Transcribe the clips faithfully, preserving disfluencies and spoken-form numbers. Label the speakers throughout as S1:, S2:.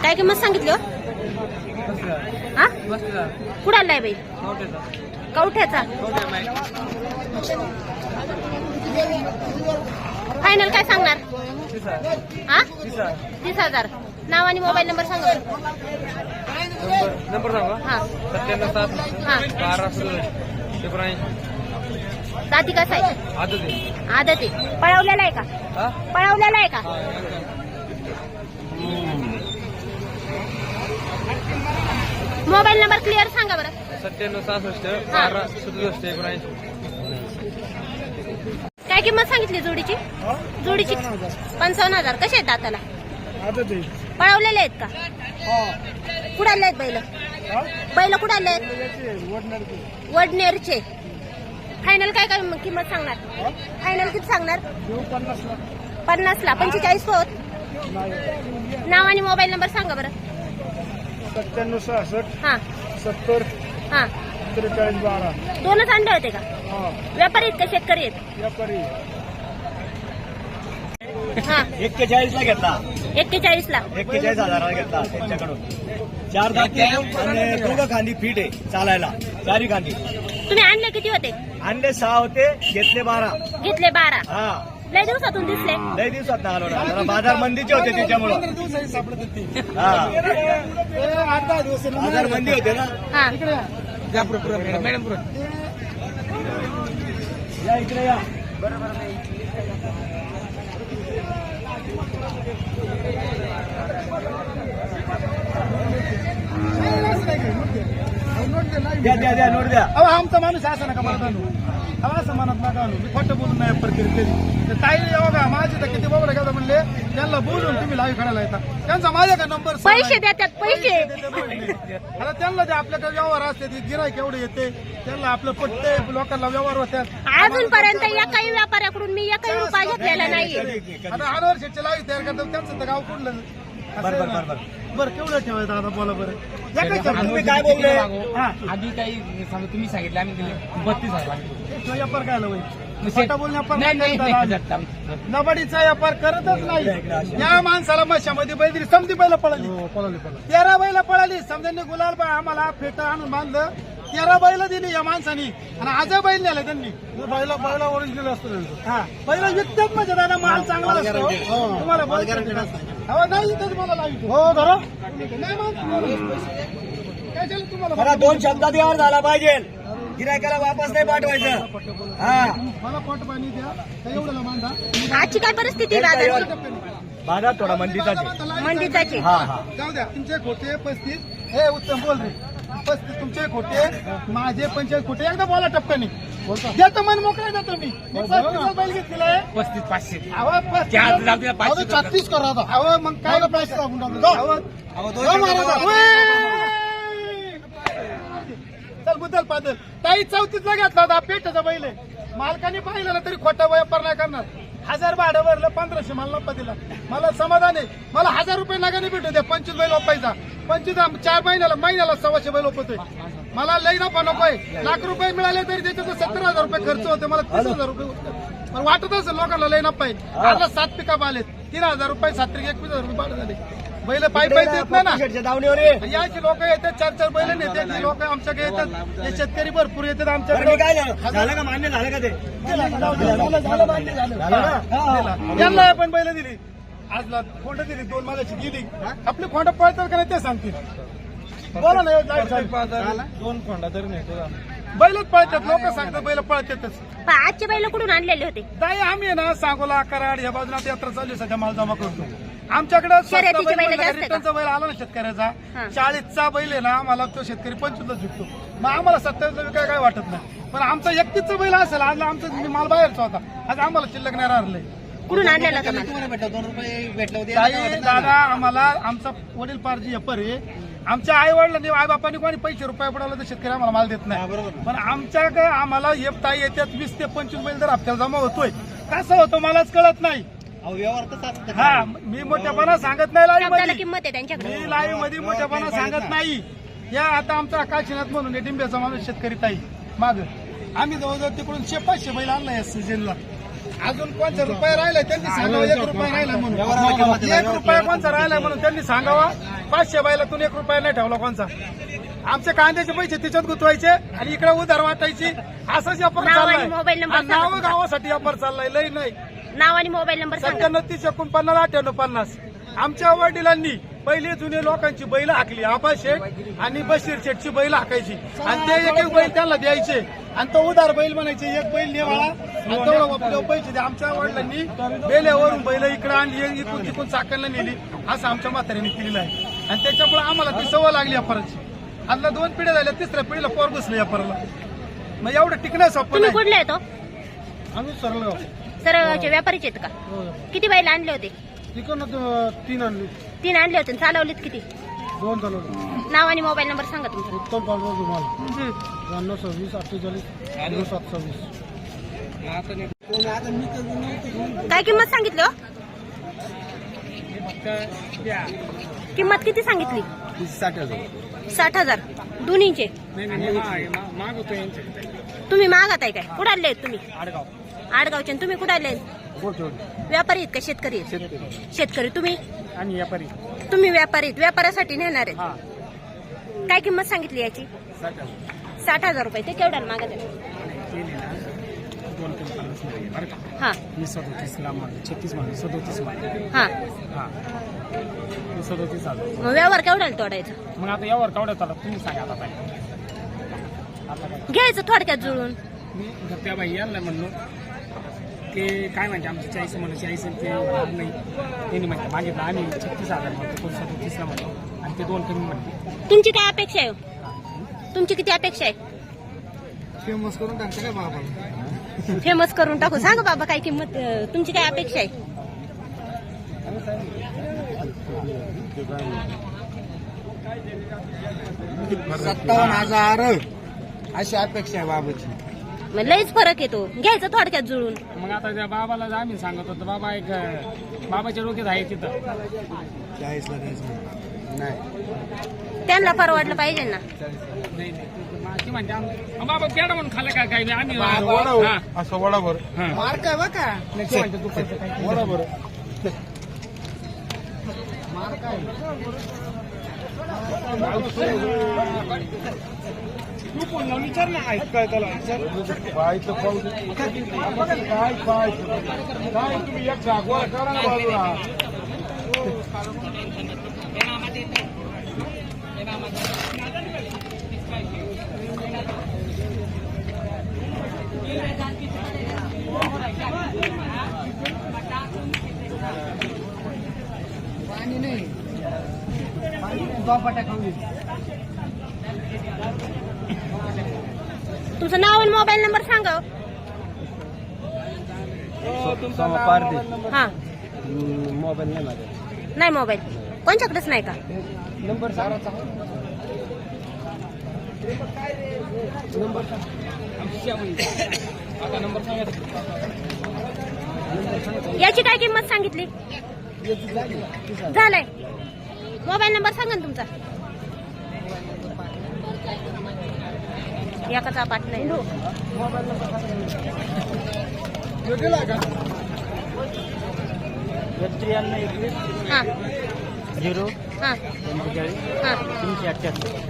S1: काय किंमत सांगितली हो? हा कुठं आलाय बाई? कवठ्याचा. फायनल काय सांगणार? हा तीस हजार. नाव आणि मोबाईल नंबर सांगा.
S2: नंबर सांगा.
S1: हा
S2: सत्त्याण्णव सात
S1: हा
S2: बारा एकोणऐंशी.
S1: जाती कसा आहे?
S2: आदत आहे.
S1: आदत आहे. पळवलेला आहे का?
S2: हा
S1: पळवलेला आहे का? मोबाईल नंबर क्लिअर सांगा बरं.
S2: सत्त्याण्णव सहासष्ट बारा सदुसष्ट एकोणऐंशी.
S1: काय किंमत सांगितली जोडीची? जोडीची पंचावन्न हजार. कसे आहेत दाताला? पळवलेले आहेत का? कुठे आले आहेत बैल? बैल कुठे आले आहेत? वडनेरचे. फायनल काय काय किंमत सांगणार? फायनल किती सांगणार? पन्नास ला. पंचेचाळीस होत. नाव आणि मोबाईल नंबर सांगा बरं.
S3: सत्त्याण्णव सहासष्ट
S1: हा
S3: सत्तर
S1: हा
S3: त्रेचाळीस बारा.
S1: दोनच अंडे होते का?
S3: हा
S1: व्यापारी आहेत का शेतकरी आहेत?
S3: व्यापारी.
S1: हा
S4: एक्केचाळीस ला घेतला.
S1: एक्केचाळीस ला.
S4: एक्केचाळीस हजाराला घेतला त्यांच्याकडून. चार दाती आणि दोघं खांदी फिट आहे चालायला. चारी खांदी.
S1: तुम्ही आणले किती होते?
S4: अंडे सहा होते, घेतले बारा.
S1: घेतले बारा.
S4: हा
S1: लय दिवसातून दिसले.
S4: लय दिवसात ना आलो ना. जरा बाजार मंदीचे होते त्याच्यामुळं. हा बाजार मंदी होते ना.
S1: हा
S2: मॅडम
S4: या इकडे या. द्या द्या द्या नोट द्या.
S3: अहो आमचा माणूस असं नका मला जाणू. अहो असं म्हणत नका आणू. मी खोटं बोलून नाही प्रक्रिया ते ताई बघा माझे तर किती बाबा घ्या म्हणले त्यांना बोलून तुम्ही लाईव्ह करायला येतात. त्यांचा माझ्या का नंबर
S1: पैसे देतात पैसे.
S3: आता त्यांना ते आपल्याकडे व्यवहार असते ती गिराईक एवढे येते त्यांना आपलं पटते लोकांना व्यवहार होतात.
S1: अजूनपर्यंत एकाही व्यापाऱ्याकडून मी एकही रुपया घेतलेला नाहीये.
S3: आता अनवर शेटचे लाईव्ह तयार करतात त्यांचं तर गाव कुठलं
S4: बरं बरं बरं बरं.
S3: बरं केवढं ठेवायचं आता बोला बरं.
S4: तुम्ही काय बोलले?
S3: हा
S2: आधी काही सांगा तुम्ही सांगितलं आम्ही दिले बत्तीस हजार.
S3: व्यापार काय आलं बाई? खोटा बोलण्या
S2: नाही नाही
S3: व्यापार नबाडीचा व्यापार करतच नाही. या माणसाला मशामध्ये बैल दिली समधी बैल पळाली. तेरा बैल पळाली. समजांनी गुलाल बा आम्हाला फेटा आणून बांधलं. तेरा बैल दिली या माणसानी आणि आज बैल नेला त्यांनी. बैला बैला ओरिजिनल असतो. हा बैल विकतात म्हणजे दादा माल चांगला असतो. तुम्हाला बैल हो नाही इथंच मला लावितो. हो धरा नाही काय झालं तुम्हाला?
S4: मला दोन शब्दात व्यवहार झाला पाहिजे. गिरायकाला वापस नाही पाठवायचं. हा
S3: मला पोट पाणी द्या त्या एवढ्याला बांधा.
S1: आजची काय परिस्थिती आहे बाजाराची?
S4: बाजार थोडा मंदीचाच आहे.
S1: मंदीचाची.
S4: हा हा
S3: जाऊ द्या तुमचे खोटे पस्तीस. हे उत्तम बोल रे. पस्तीस तुमचे खोटे माझे पंचायत खोटे. एकदा बोला टप्प्याने देतो मन मोकळा देतो मी. बैल घेतलेला आहे
S2: पस्तीस पाचशे.
S3: अहो पस्तीस छत्तीस करा आता. अहो मग काय पैसे टाकून टाकतो. चल बुदल पादल ताई चौतीसला घेतला होता. पेटाचा बैल आहे. मालकाने पाहिलं तरी खोटा व्यापार नाही करणार. हजार भाडं भरलं पंधराशे मला नफा दिला. मला समाधान आहे. मला हजार रुपये नगाने भेटू द्या. पंचवीस बैल ओपायचा. पंचवीस चार महिन्याला महिन्याला सव्वाशे बैल ओपतोय. मला लई नफा नकोय. लाख रुपये मिळाले तरी त्याच्यात सत्तर हजार रुपये खर्च होते. मला तीस हजार रुपये पण वाटत असेल लोकांना लई नफा आहे. आता सात पिकअप आलेत. तीन हजार रुपये सात त्रिक एकवीस हजार रुपये भाडं झाले. बैल पायी पायी देत नाही ना.
S4: दावणीवर
S3: याची लोक येतात चार चार बैल नेते लोक आमच्याकडे येतात. हे शेतकरी भरपूर येतात
S4: बरं,
S3: आमच्याकडे.
S4: मी काय झालं झालं का मान्य झालं का ते?
S3: यांना पण बैल दिली. आजला खोंड दिली. दोन मालाची दिली. आपली खोंड पळतात का नाही ते सांगतील. बोला ना दोन खोंडा तरी नाही बैलच पळतात. लोक सांगतात बैल पळतातच.
S1: आजचे बैल कुठून आणलेले होते?
S3: ताई आम्ही ना सांगोला कराड या बाजूला यात्रा चालू आहे. सध्या माल जमा करतो. आमच्याकडे
S1: शर्यतीचे बैल जास्त
S3: रिटर्नचा बैल आला ना शेतकऱ्याचा.
S1: हा.
S3: चाळीसचा बैल आहे ना आम्हाला तो शेतकरी पंचवीसला विकतो. मग आम्हाला सत्तावीसला विकाय काय वाटत नाही. पण आमचा एकतीसचा बैल असेल. आज आमचा माल बाहेरचा होता. आज आम्हाला शिल्लक नाही राहिलंय.
S1: कुठून आणलेला होता माल?
S3: ताई दादा आम्हाला आमचा वडील पारजी व्यापार आहे. आमच्या आई वडिलांनी आई बापांनी कोणी पैसे रुपये पडवले तर शेतकरी आम्हाला माल देत नाही. पण आमच्याकडे आम्हाला एक ताई येतात वीस ते पंचवीस बैल जर हप्त्याला जमा होतोय. कसं होतं मलाच कळत नाही. हा मी मोठ्यापणा सांगत नाही लाईव्ह
S1: शब्दाला
S3: मध्ये.
S1: किंमत आहे त्यांच्याकडे.
S3: मी लाईव्ह मध्ये मोठ्यापणा सांगत नाही. या आता आमचा काशीनाथ म्हणून डिंब्याचा माणूस शेतकरी ताई माग आम्ही जवळजवळ तिकडून शे पाचशे बैल आणला या सीजनला. अजून कोणचा रुपये राहिलाय त्यांनी सांगावा. एक रुपया राहिला म्हणून एक रुपया कोणचा राहिलाय म्हणून त्यांनी सांगावा. पाचशे बायलातून एक रुपया नाही ठेवला कोणचा. आमचे कांद्याचे पैसे तिच्यात गुंतवायचे आणि इकडे उधार वाटायची. असंच व्यापार
S1: नाव आणि
S3: चाललाय.
S1: मोबाईल नंबर
S3: आणि
S1: सांगा
S3: नाव
S1: तुमचा.
S3: गावासाठी व्यापार चाललाय, लई नाही.
S1: नाव आणि मोबाईल नंबर सांगा.
S3: सत्त्याण्णव तीस एकोणपन्नास अठ्ठ्याण्णव पन्नास. आमच्या वडिलांनी पहिले जुने लोकांची बैल हाकली. आबा शेठ आणि बशीर शेठची बैल हाकायची आणि ते एक एक बैल त्यांना द्यायचे आणि तो उधार बैल म्हणायचे. एक बैल नेवाळा आणि तेवढं आपल्याला पैसे द्या. आमच्या वडिलांनी बेल्यावरून बैल इकडे आणली, इकडून तिकडून चाकणला नेली. असं आमच्या म्हाताऱ्यांनी केलेलं आहे आणि त्याच्यामुळे आम्हाला ती सवय लागली व्यापाराची. आता दोन पिढ्या झाल्या, तिसऱ्या पिढीला पोर बसलं व्यापाराला. मग एवढं टिकणं सोपं
S1: तुम्ही
S3: नाही.
S1: कुठले येतो?
S3: आम्ही सरळ
S1: सरळगावचे व्यापारीचे आहेत का? किती बैल आणले होते?
S3: तिकडनं तीन आणली,
S1: तीन आणले होते. चालवलेत किती?
S3: दोन चालवलं.
S1: नाव आणि मोबाईल नंबर सांगा तुमचा.
S3: उत्तम पांडुरंग धुमाल,
S1: हं.
S3: त्र्याण्णव सव्वीस अठ्ठेचाळीस झिरो सात सव्वीस.
S1: काय किंमत सांगितली हो? किंमत किती सांगितली?
S3: साठ हजार.
S1: साठ हजार दोन्हीचे. तुम्ही मागत आहे काय? कुठे आले तुम्ही?
S3: आडगाव.
S1: आडगावचे. आणि तुम्ही कुठे आले? व्यापारी आहेत का शेतकरी आहेत?
S3: शेतकरी
S1: शेतकरी. तुम्ही?
S3: आणि व्यापारी.
S1: तुम्ही व्यापारी आहेत, व्यापारासाठी नेणार आहेत. काय किंमत सांगितली याची? साठ हजार रुपये. ते केवढ्याला मागत आहे? हा
S3: सदोतीस ला छत्तीस मध्ये सदोतीस मध्ये
S1: हा
S3: हा सदोतीस आलं.
S1: मग व्यवहार केवढ्याला तोडायचा?
S3: मग आता यावर केवढ्यात आला तुम्ही सांगा. आता
S1: घ्यायचं थोडक्यात जुळून.
S3: मी त्या बाई यांना म्हणलो ते काय म्हणते आमची चाळीस म्हणून चाळीस ते नाही त्यांनी म्हणते मागितलं आम्ही छत्तीस हजार म्हणतो, कोण सदोतीसला म्हणतो आणि ते दोन कमी म्हणते.
S1: तुमची काय अपेक्षा आहे? तुमची किती अपेक्षा आहे?
S3: फेमस करून टाकते काय बाबा?
S1: फेमस करून टाकू. सांगा बाबा काय किंमत, अं, तुमची काय अपेक्षा आहे?
S3: सत्तावन्न हजार अशी अपेक्षा आहे बाबाची.
S1: मग लईच फरक येतो. घ्यायचं थोडक्यात जुळून.
S3: मग आता त्या बाबाला आम्ही सांगत होतो बाबा एक बाबाच्या डोक्यात आहे तिथं चाळीसला द्यायचं नाही.
S1: त्यांना परवडलं पाहिजे ना.
S3: नाही नाही म्हणते आम- बाबा पेडा म्हणून खाल्लं काय काय आम्ही
S5: असं वडाभर
S3: मार काय बा का म्हणते दुपारचं काय
S5: वडाभर
S3: मार काय तू कोण लावून विचार ना ऐक काय त्याला विचार
S5: पाहायचं पाहू दे. काय पाहायचं काय तुम्ही एक जागवा करा ना बाजूला.
S3: पाणी नाही बापाट्या खाऊ.
S1: तुमचं नाव आणि मोबाईल नंबर सांगा. हा
S3: मोबाईल नाही माझा.
S1: नाही मोबाईल कोणच्याकडेच नाही का?
S3: नंबर सांगा. नंबर आता नंबर सांगा.
S1: याची काय किंमत सांगितली? झालंय. मोबाईल नंबर सांगा ना तुमचा. एकाचा पाठ नाही.
S3: त्र्याण्णव एकवीस
S1: हा
S3: झिरो
S1: हा
S3: पंचेचाळीस
S1: हा
S3: तीनशे अठ्ठ्याहत्तर.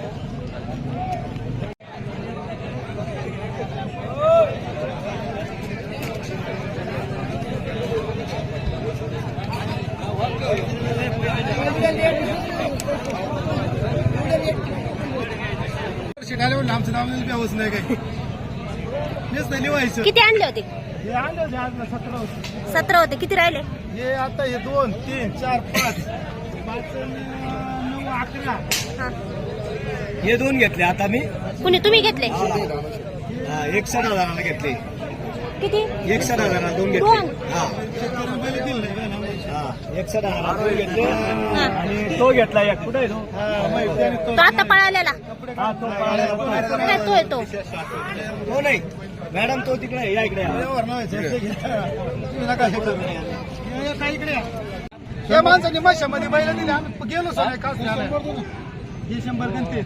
S3: आमचं नाव व्यवस्थ नाही काही हेच नाही लिवायचं.
S1: किती आणले होते?
S3: हे आणले होते आज ना सतरा होते.
S1: सतरा होते. किती राहिले?
S3: हे आता हे दोन तीन चार पाच पाच आणि, नऊ अकरा.
S1: हा
S4: हे दोन घेतले आता मी.
S1: कुणी तुम्ही घेतले?
S4: हा, एकसठ हजाराला घेतले.
S1: किती?
S4: एकसठ हजाराला दोन घेतले.
S1: दोन?
S4: हा
S3: शेतकऱ्यांना पहिले दिलं नाही का ना?
S4: हा एकसठ हजाराला दोन घेतले
S1: हा.
S4: आणि तो घेतला एक. कुठे आहे तो?
S3: हा, माहिती आहे तो.
S1: तो आता पळालेला
S4: हा तो पाहिला.
S1: काय तो येतो?
S4: तो नाही मॅडम, तो तिकडे आहे. या इकडे या.
S3: व्यवहार नाही, हे घ्या. तुम्ही नका हे करू. हे काय इकडे या. या माणसाने माशामध्ये बैल दिले. आम्ही गेलो सर काच हे शंभर गणते.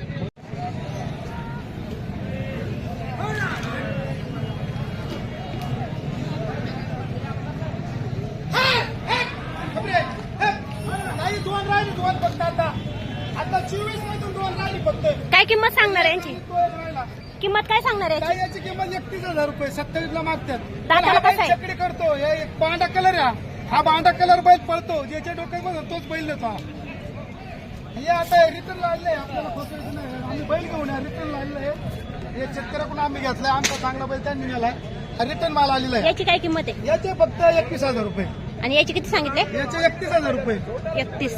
S3: दोन राहिले दोन फक्त आता. येतील फक्त.
S1: काय किंमत सांगणार आहे यांची?
S3: तो एक राहिला.
S1: किंमत काय सांगणार आहे
S3: काय
S1: याची?
S3: याची किंमत एकतीस हजार रुपये सत्तावीस ला मागतात.
S1: दाताला
S3: हा बैल
S1: कसा आहे?
S3: चकडी करतो. हे एक पांढरा कलर आहे हा. हा पांढरा कलर बैल पळतो. ज्याच्या डोक्यात बघा तोच बैल देतो हा. हे आता रिटर्न लागले आपल्याला फसवायचं नाही. आम्ही बैल घेऊन रिटर्न लागले हे शेतकऱ्याकडून आम्ही घेतलाय. आमचा चांगला बैल त्यांनी नेलाय. रिटर्न माल आलेला आहे.
S1: याची काय किंमत आहे?
S3: याचे फक्त एकवीस हजार रुपये.
S1: आणि याची किती सांगितले?
S3: याचे एकतीस हजार रुपये.
S1: एकतीस.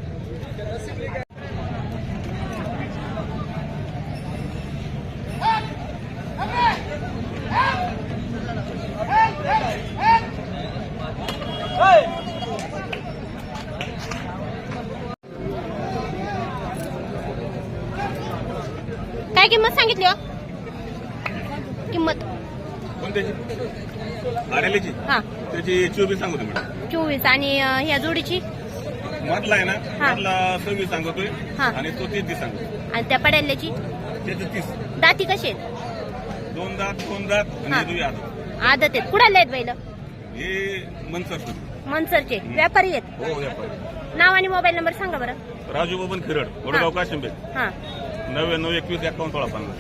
S1: काय किंमत सांगितली हो? किंमत
S6: कोणत्याची आरेलीची
S1: हा
S6: त्याची चोवीस सांगतो मॅडम.
S1: चोवीस. आणि अं, ह्या जोडीची?
S6: मधला आहे ना
S1: हा.
S6: मधला सव्वीस सांगतोय
S1: हा.
S6: आणि तो तीस तीस सांगतो.
S1: आणि त्या पड्याल्याची?
S6: त्याचं तीस.
S1: दाती कशी आहेत?
S6: दोन दात दोन दात
S1: हा.
S6: आणि दुई आदत.
S1: आदत आहेत. कुडाले आहेत बैल?
S6: हे मनसर
S1: मनसरचे व्यापारी आहेत.
S6: हो व्यापारी.
S1: नाव आणि मोबाईल नंबर सांगा बरं.
S6: राजू बबन खिरड वडगाव काशिंबे
S1: हा.
S6: नव्याण्णव एकवीस एकावन्न सोळा पन्नास.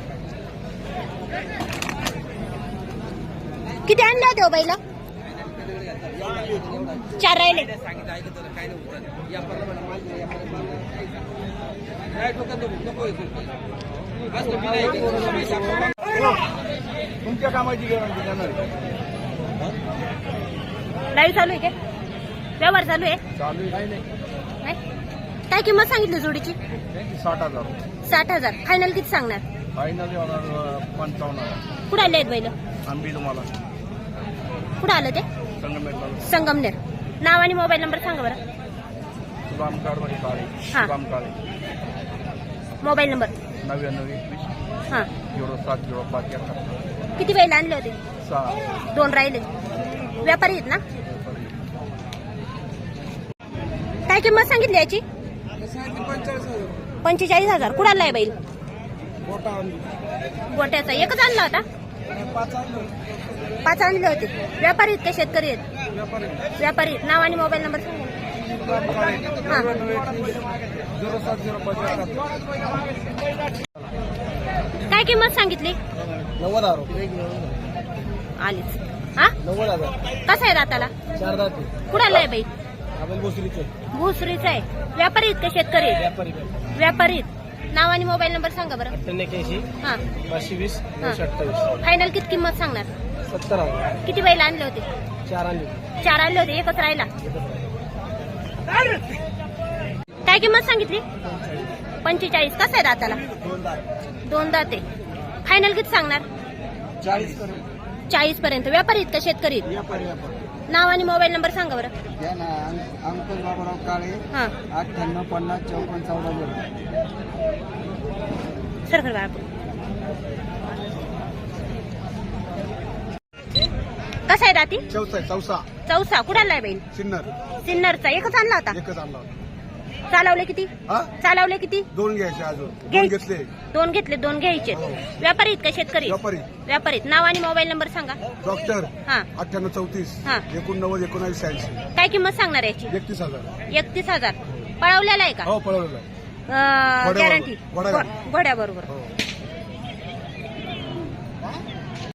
S1: किती आणले होते हो बैल? चार राहिले.
S3: तुमच्या कामाची गॅरंटी देणार.
S1: लाईव्ह चालू आहे काय? व्यवहार चालू आहे?
S3: चालू आहे
S1: नाही? काय किंमत सांगितली जोडीची?
S3: साठ हजार
S1: साठ हजार. फायनल किती सांगणार?
S3: फायनल पंचावन्न हजार.
S1: कुठे आले आहेत बैल?
S3: आंबी तुम्हाला
S1: कुठं आलं ते?
S3: संगमेटला
S1: संगमनेर. नाव आणि मोबाईल नंबर सांगा बरं.
S3: सुदाम कारवाई काळे
S1: हा.
S3: Sudam Kale
S1: mobile number.
S3: नव्याण्णव एकवीस
S1: हा.
S3: झिरो सात झिरो पाच एकाहत्तर
S1: किती बैल आणले होते?
S3: सहा.
S1: दोन राहिले. व्यापारी आहेत ना? काय किंमत सांगितली याची? पंचेचाळीस हजार. कुणाला आहे बैल? गोट्याचा एकच आणला होता? पाच आणले होते. व्यापारी आहेत का शेतकरी आहेत? व्यापारी आहेत. नाव आणि मोबाईल नंबर सांगा. हा.
S3: झिरो सात झिरो पाच एकाहत्तर.
S1: काय किंमत सांगितली?
S3: नव्वद हजार
S1: आलीच. हा.
S3: नव्वद हजार
S1: कसा आहे दाताला?
S3: चार दाते
S1: कुणाला आहे बैल?
S3: आपण भोसरीचे
S1: भोसरीचा आहे. व्यापारी आहेत का शेतकरी आहेत?
S3: व्यापारी
S1: व्यापारी आहेत. नाव आणि मोबाईल नंबर सांगा बरं.
S3: एक्क्याऐंशी
S1: हा.
S3: पाचशे वीस
S1: हा.
S3: नऊशे अठ्ठावीस.
S1: फायनल किती किंमत सांगणार?
S3: सत्तर हजार.
S1: किती बैल आणले होते?
S3: चार आणले.
S1: चार आणले होते. एकच राहिला. काय किंमत सांगितली? पंचेचाळीस. कसं आहे दाताला?
S3: दोन दात
S1: दोन दाते. फायनल किती सांगणार?
S3: चाळीस
S1: चाळीस पर्यंत. व्यापारी आहेत का शेतकरी आहेत?
S3: व्यापारी व्यापारी
S1: नाव आणि मोबाईल नंबर सांगा बरं.
S3: या ना अंकुश बाबूराव काळे
S1: हा.
S3: अठ्ठ्याण्णव पन्नास चौपन्न चौदा झिरो.
S1: सरकार बाळापूर. कसा आहे दाती?
S3: चौसा चौसा
S1: चौसा. कुठाला आहे बैल?
S3: सिन्नर
S1: सिन्नरचा. एकच आणला होता?
S3: एकच आणला.
S1: चालवले किती?
S3: हा
S1: चालवले किती?
S3: दोन घ्यायचे अजून दोन
S1: घ्याय-
S3: घेतले.
S1: दोन घेतले. दोन घ्यायचे.
S3: हो.
S1: व्यापारी आहेत का शेतकरी?
S3: व्यापारी
S1: व्यापारी. नाव आणि मोबाईल नंबर सांगा.
S3: डॉक्टर
S1: हा.
S3: अठ्ठ्याण्णव चौतीस
S1: हा.
S3: एकोणनव्वद एकोणावीस शहाऐंशी.
S1: काय किंमत सांगणार याची?
S3: एकतीस हजार.
S1: एकतीस हजार. पळवलेला आहे का?
S3: हो पळवलेलं आहे.
S1: गॅरंटी?
S3: घोड्याबरोबर.
S1: घोड्या बरोबर.
S3: हो.